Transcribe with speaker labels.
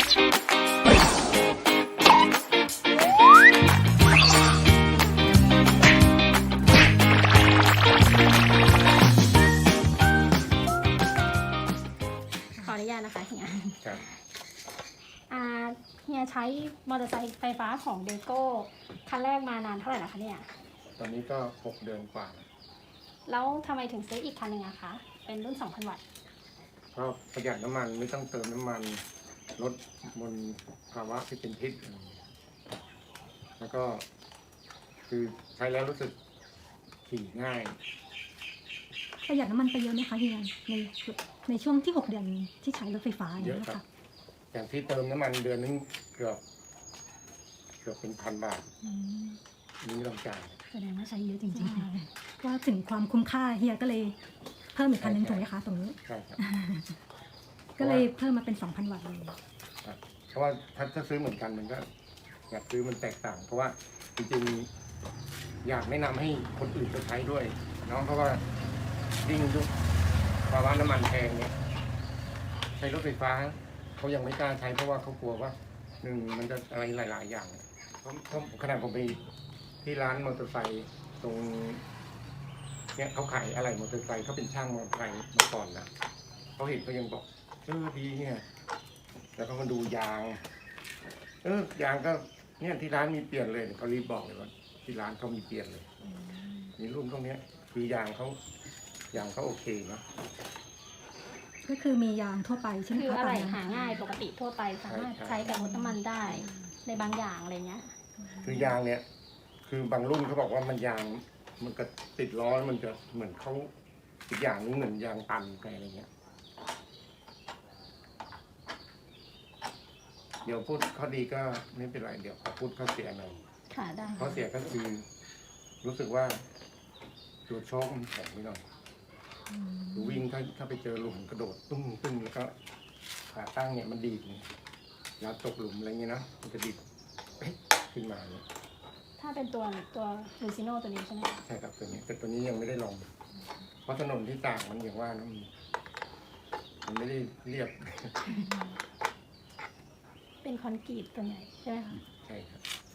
Speaker 1: ขออนุญาตนะคะเฮีย
Speaker 2: ครับ
Speaker 1: เฮียใช้มอเตอร์ไซค์ไฟฟ้าของเดโก้คันแรกมานานเท่าไหร่แล้วคะเนี่ย
Speaker 2: ตอนนี้ก็6 เดือนกว่า
Speaker 1: แล้วทำไมถึงซื้ออีกคันหนึ่งอะคะ เป็นรุ่น 2,000 วัตต์
Speaker 2: ก็ประหยัดน้ำมันไม่ต้องเติมน้ำมันลดมลภาวะที่เป็นพิษแล้วก็คือใช้แล้วรู้สึกขี่ง่าย
Speaker 3: ประหยัดน้ำมันไปเยอะไหมคะเฮียในช่วงที่6 เดือนที่ใช้รถไฟฟ้าอย่าง
Speaker 2: เยอะ
Speaker 3: นี้ย
Speaker 2: ครับ
Speaker 3: ค่ะ
Speaker 2: อย่างที่เติมน้ำมันเดือนนึงเกือบเป็น1,000 บาท
Speaker 3: อืม
Speaker 2: นี่ไม่ต้องจ่าย
Speaker 3: แสดงว่าใช้เยอะจริงๆก็ถึงความคุ้มค่าเฮียก็เลยเพิ่มอีกคันหนึงถูกไหมคะตรงนี้
Speaker 2: ใช่ครับ
Speaker 3: ก็เลยเพิ่มมาเป็น 2,000 วัตต์เลย
Speaker 2: ครับเพราะว่าถ้าซื้อเหมือนกันมันก็อยากซื้อมันแตกต่าง เพราะว่าจริงๆอยากแนะนำให้คนอื่นไปใช้ด้วยเนาะเพราะว่ายิ่งยุคภาวะน้ำมันแพงเนี่ยใช้รถไฟฟ้าเขายังไม่กล้าใช้เพราะว่าเขากลัวว่ามันจะอะไรหลายๆอย่างเพราะขนาดผมไปที่ร้านมอเตอร์ไซค์ตรงเนี่ยเขาขายอะไรมอเตอร์ไซค์เขาเป็นช่างมอเตอร์ไซค์มาก่อนนะเขาเห็นเขายังบอกดีเนี่ยแล้วก็มาดูยางยางก็เนี่ยที่ร้านมีเปลี่ยนเลยเขารีบบอกเลยว่าที่ร้านเขามีเปลี่ยนเลยมีรุ่นพวกนี้คือยางเขาโอเคนะ
Speaker 3: ก็คือมียางทั่วไปใช่ไหม
Speaker 1: คือ
Speaker 3: คะ
Speaker 1: อะไร
Speaker 3: ตามนั้น
Speaker 1: หาง่ายปกติทั่วไปสามารถใช้กับรถน้ำมันได้ในบางอย่างอะไรเงี้ย
Speaker 2: คือยางเนี่ยคือบางรุ่นเขาบอกว่ามันยางมันก็ติดล้อมันจะเหมือนเขาอีกอย่างนึงเหมือนยางตันอะไรเงี้ยเดี๋ยวพูดข้อดีก็ไม่เป็นไรเดี๋ยวขอพูดข้อเสียหน่อย
Speaker 1: ค่ะได้
Speaker 2: ข้อเสียก็คือรู้สึกว่าตัวโชคมันแข็งไปหน่อยดูวิ่งถ้าไปเจอหลุมกระโดดตึ้งแล้วก็ขาตั้งเนี่ยมันดีดเนี่ยแล้วตกหลุมอะไรเงี้ยนะมันจะดีดขึ้นมาเนี่ย
Speaker 1: ถ้าเป็นตัวลูซิโน่ตัวนี้ใช่ไหมคะ
Speaker 2: ใช่ครับตัวนี้แต่ตัวนี้ยังไม่ได้ลองเพราะถนนที่ต่างมันอย่างว่านะมันไม่ได้เรียบ
Speaker 1: เป็นคอนกรีตตัวใหญ่ใช่ไหมคะ
Speaker 2: ใช่ครับ